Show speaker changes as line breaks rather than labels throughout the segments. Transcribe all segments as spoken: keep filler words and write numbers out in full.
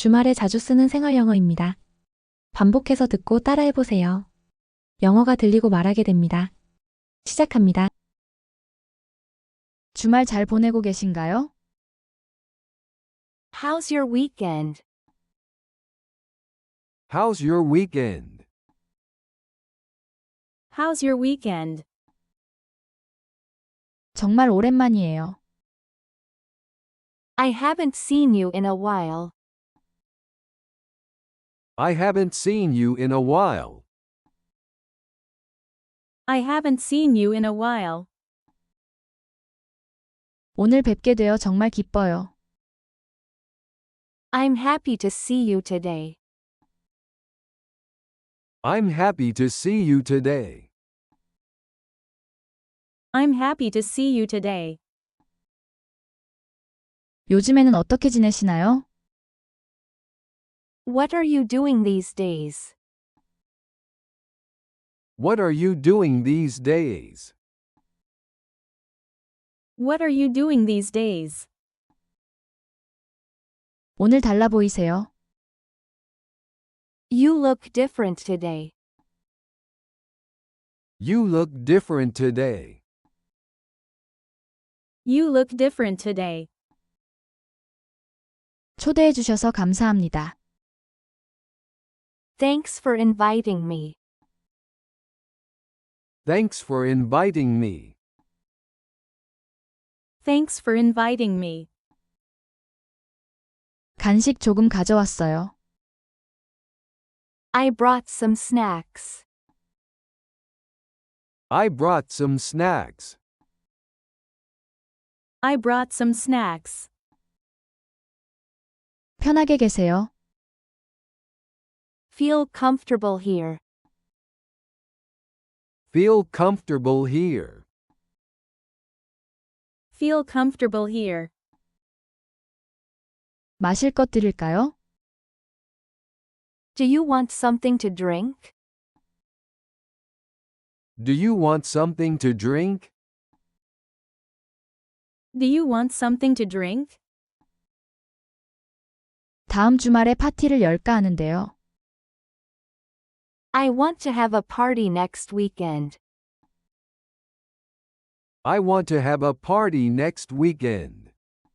주말에 자주 쓰는 생활 영어입니다. 반복해서 듣고 따라해보세요. 영어가 들리고 말하게 됩니다. 시작합니다. 주말 잘 보내고 계신가요?
How's your weekend?
How's your weekend?
How's your weekend?
정말 오랜만이에요.
I haven't seen you in a while.
I haven't seen you in a while.
I haven't seen you in a while.
오늘 뵙게 되어 정말 기뻐요.
I'm happy to see you today.
I'm happy to see you today.
I'm happy to see you today.
요즘에는 어떻게 지내시나요?
What are you doing these days?
What are you doing these days?
What are you doing these days?
오늘 달라 보이세요.
You look different today.
You look different today.
You look different today.
초대해 주셔서 감사합니다.
Thanks for inviting me.
Thanks for inviting me.
Thanks for inviting me.
간식 조금 가져왔어요.
I brought some snacks.
I brought some snacks.
I brought some snacks.
편하게 계세요.
Feel comfortable here.
Feel comfortable here.
Feel comfortable here.
마실 것 드릴까요?
Do you want something to drink?
Do you want something to drink?
Do you want something to drink?
다음 주말에 파티를 열까 하는데요.
I want to have a party next weekend.
I want to have a party next weekend.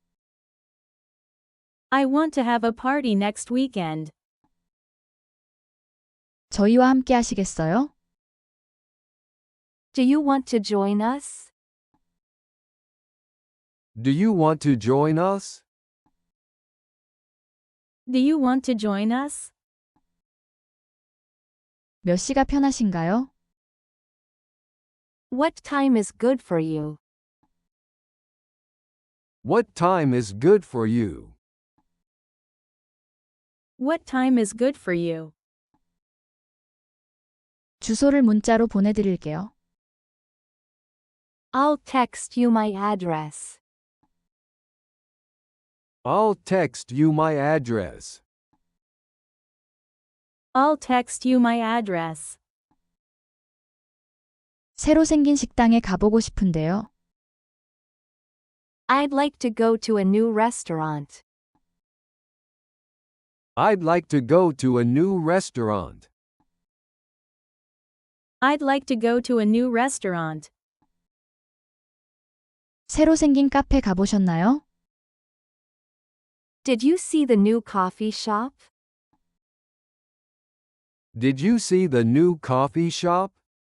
I want to have a party next weekend.
저희와 함께 하시겠어요?
Do you want to join us?
Do you want to join us?
Do you want to join us?
몇 시가 편하신가요?
What time is good for you?
What time is good for you?
What time is good for you?
주소를 문자로 보내드릴게요.
I'll text you my address.
I'll text you my address.
I'll text you my address.
새로 생긴 식당에 가보고 싶은데요.
I'd like to go to a new restaurant.
I'd like to go to a new restaurant.
I'd like to go to a new restaurant.
새로 생긴 카페 가보셨나요?
Did you see the new coffee shop?
Did you see the new coffee shop?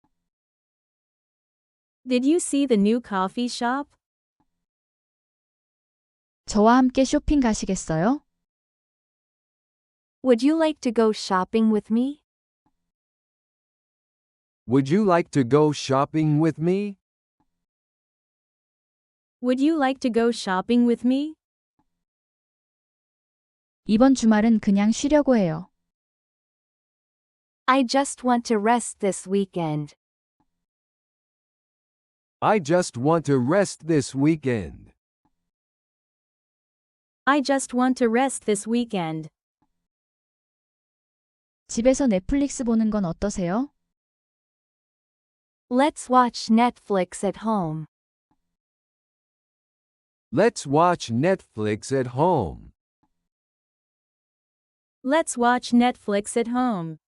Did you see the new coffee shop?
저와 함께 쇼핑 가시겠어요?
Would you like to go shopping with me?
Would you like to go shopping with me?
Would you like to go shopping with me?
이번 주말은 그냥 쉬려고 해요.
I just want to rest this weekend.
I just want to rest this weekend.
I just want to rest this weekend.
집에서 넷플릭스 보는 건 어떠세요?
Let's watch Netflix at home.
Let's watch Netflix at home.
Let's watch Netflix at home.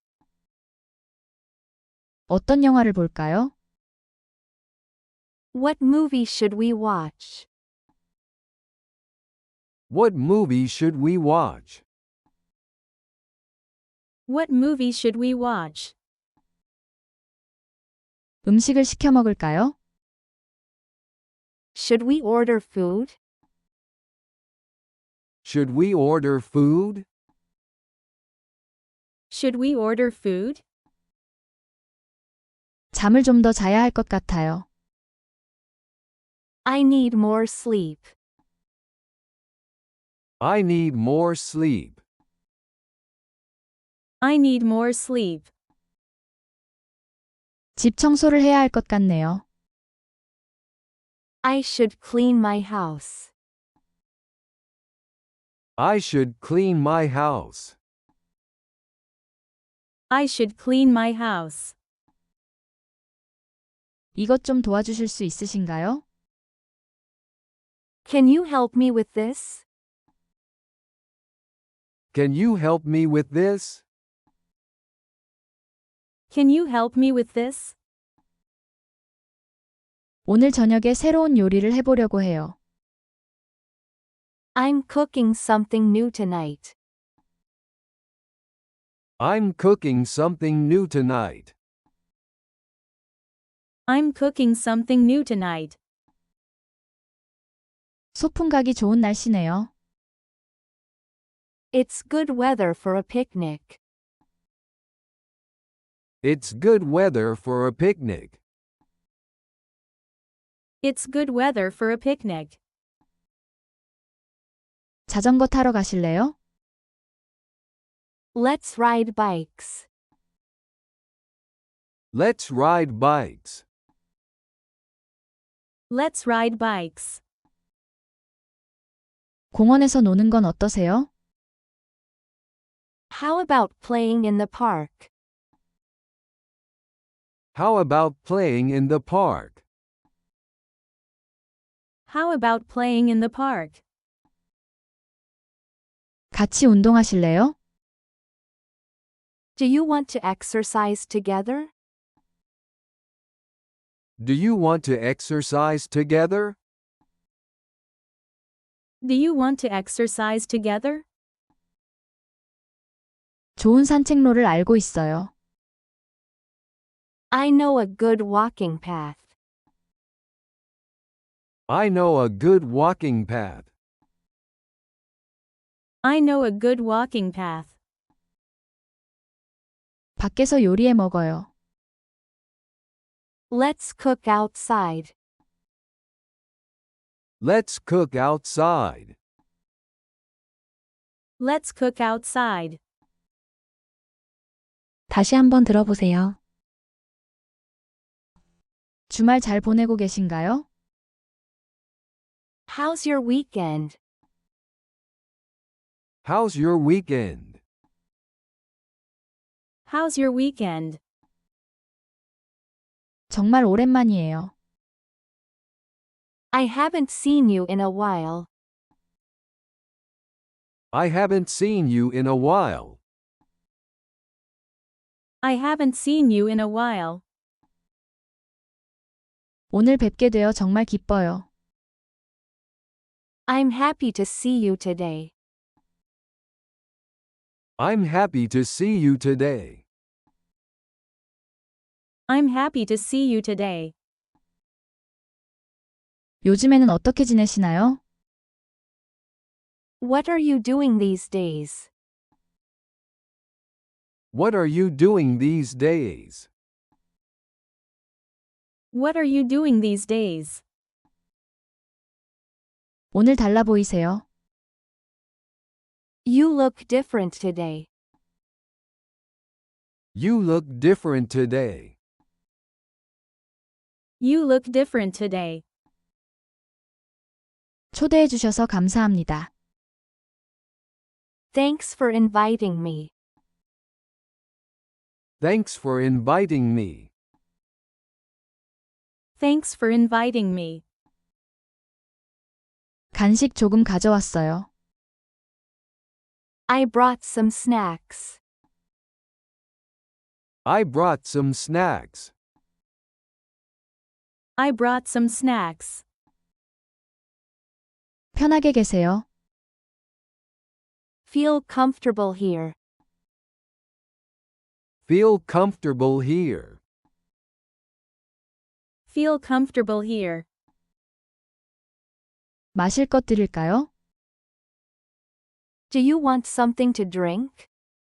어떤 영화를 볼까요?
What movie should we watch?
What movie should we watch?
What movie should we watch?
음식을 시켜 먹을까요?
Should we order food?
Should we order food?
Should we order food?
잠을 좀 더 자야 할 것 같아요.
I need more sleep.
I need more sleep.
I need more sleep.
집 청소를 해야 할 것 같네요.
I should clean my house.
I should clean my house.
I should clean my house.
이것 좀 도와주실 수 있으신가요?
Can you help me with this?
Can you help me with this?
Can you help me with this?
오늘 저녁에 새로운 요리를 해보려고 해요.
I'm cooking something new tonight.
I'm cooking something new tonight.
I'm cooking something new tonight.
소풍 가기 좋은 날씨네요.
It's good weather for a picnic.
It's good weather for a picnic.
It's good weather for a picnic.
자전거 타러 가실래요?
Let's ride bikes.
Let's ride bikes.
Let's ride bikes.
공원에서 노는 건 어떠세요?
How about playing in the park?
How about playing in the park?
How about playing in the park?
같이 운동하실래요?
Do you want to exercise together?
Do you want to exercise together?
Do you want to exercise together?
좋은 산책로를 알고 있어요.
I know a good walking path.
I know a good walking path.
I know a good walking path.
밖에서 요리해 먹어요.
Let's cook outside.
Let's cook outside.
Let's cook outside.
다시 한번 들어보세요. 주말 잘 보내고 계신가요?
How's your weekend?
How's your weekend?
How's your weekend?
정말 오랜만이에요.
I haven't seen you in a while.
I haven't seen you in a while.
I haven't seen you in a while.
오늘 뵙게 되어 정말 기뻐요.
I'm happy to see you today.
I'm happy to see you today.
I'm happy to see you today.
요즘에는 어떻게 지내시나요?
What are you doing these days?
What are you doing these days?
What are you doing these days?
오늘 달라 보이세요.
You look different today.
You look different today.
You look different today.
초대해 주셔서 감사합니다.
Thanks for inviting me.
Thanks for inviting me.
Thanks for inviting me.
간식 조금 가져왔어요.
I brought some snacks.
I brought some snacks.
I brought some snacks.
편하게 계세요.
Feel comfortable here.
Feel comfortable here.
Feel comfortable here.
마실 것 드릴까요?
Do you want something to drink?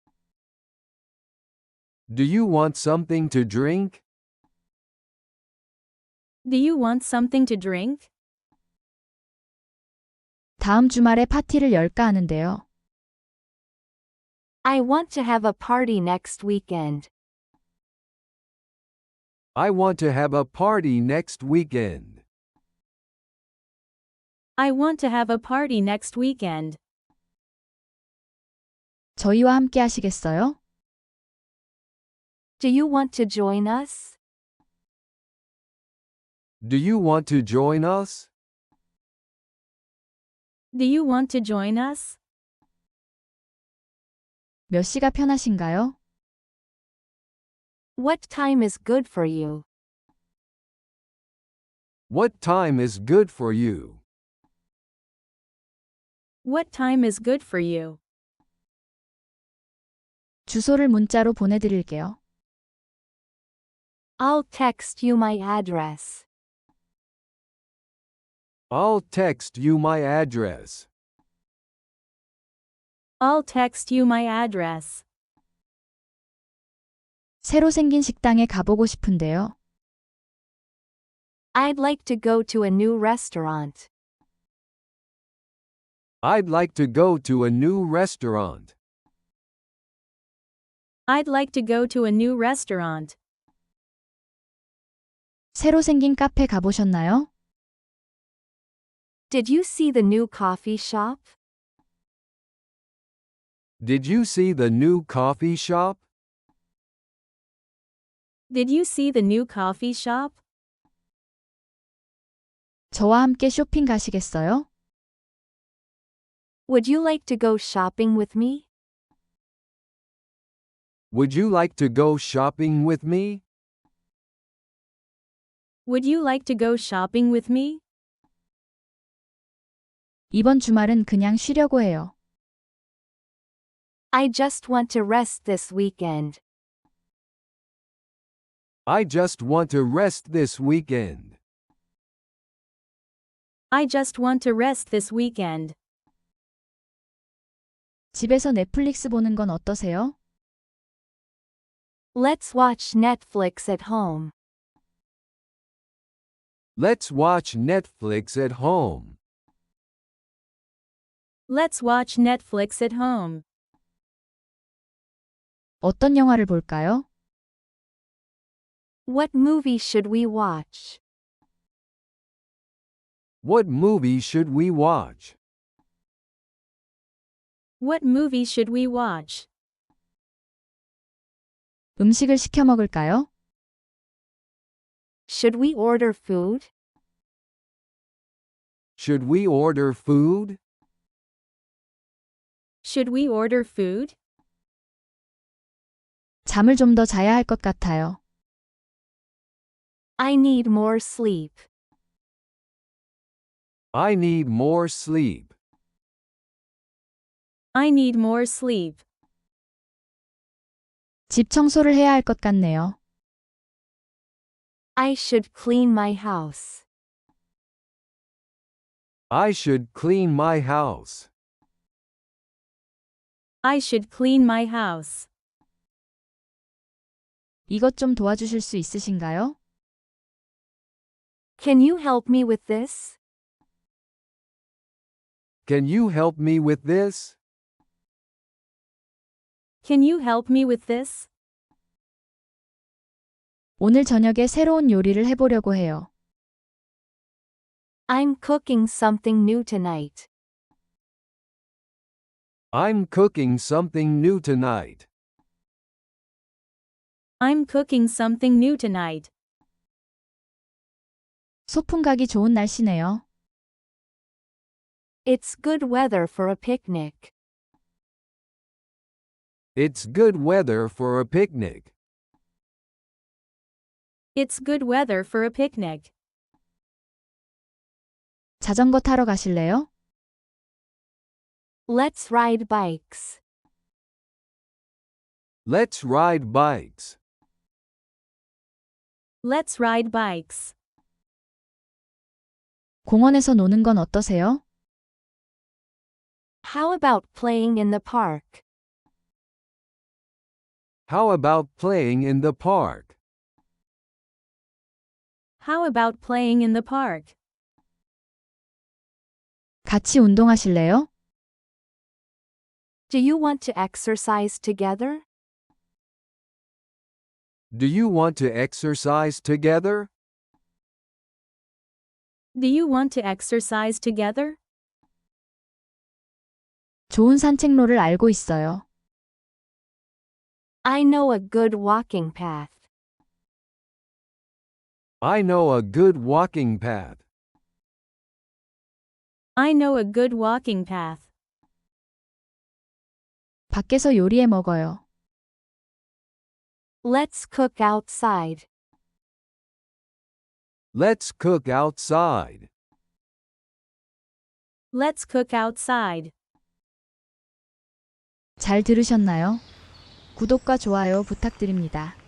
Do you want something to drink?
Do you want something to drink?
다음 주말에 파티를 열까 하는데요.
I want to have a party next weekend.
I want to have a party next weekend.
I want to have a party next weekend.
저희와 함께 하시겠어요?
Do you want to join us?
Do you want to join us?
Do you want to join us?
몇 시가 편하신가요?
What time is good for you?
What time is good for you?
What time is good for you?
주소를 문자로 보내드릴게요.
I'll text you my address.
I'll text you my address.
I'll text you my address.
새로 생긴 식당에 가보고 싶은데요.
I'd like to go to a new restaurant.
I'd like to go to a new restaurant.
I'd like to go to a new restaurant.
새로 생긴 카페 가보셨나요?
Did you see the new coffee shop?
Did you see the new coffee shop?
Did you see the new coffee shop?
저와 함께 쇼핑 가시겠어요?
Would you like to go shopping with me?
Would you like to go shopping with me?
Would you like to go shopping with me?
이번 주말은 그냥 쉬려고 해요.
I just want to rest this weekend.
I just want to rest this weekend.
I just want to rest this weekend.
집에서 넷플릭스 보는 건 어떠세요?
Let's watch Netflix at home.
Let's watch Netflix at home.
Let's watch Netflix at home.
어떤 영화를 볼까요?
What movie should we watch?
What movie should we watch?
What movie should we watch?
음식을 시켜 먹을까요?
Should we order food?
Should we order food?
Should we order food?
잠을 좀 더 자야 할 것 같아요.
I need more sleep.
I need more sleep.
I need more sleep.
집 청소를 해야 할 것 같네요.
I should clean my house.
I should clean my house.
I should clean my house.
이것 좀 도와주실 수 있으신가요?
Can you help me with this?
Can you help me with this?
Can you help me with this?
오늘 저녁에 새로운 요리를 해보려고 해요.
I'm cooking something new tonight.
I'm cooking something new tonight.
I'm cooking something new tonight.
소풍 가기 좋은 날씨네요.
It's good weather for a picnic.
It's good weather for a picnic.
It's good weather for a picnic.
자전거 타러 가실래요?
Let's ride bikes.
Let's ride bikes.
Let's ride bikes.
공원에서 노는 건 어떠세요?
How about playing in the park?
How about playing in the park?
How about playing in the park?
같이 운동하실래요?
Do you want to exercise together?
Do you want to exercise together?
Do you want to exercise together?
좋은 산책로를 알고 있어요.
I know a good walking path.
I know a good walking path.
I know a good walking path.
밖에서 요리해 먹어요.
Let's cook outside.
Let's cook outside.
Let's cook outside.
잘 들으셨나요? 구독과 좋아요 부탁드립니다.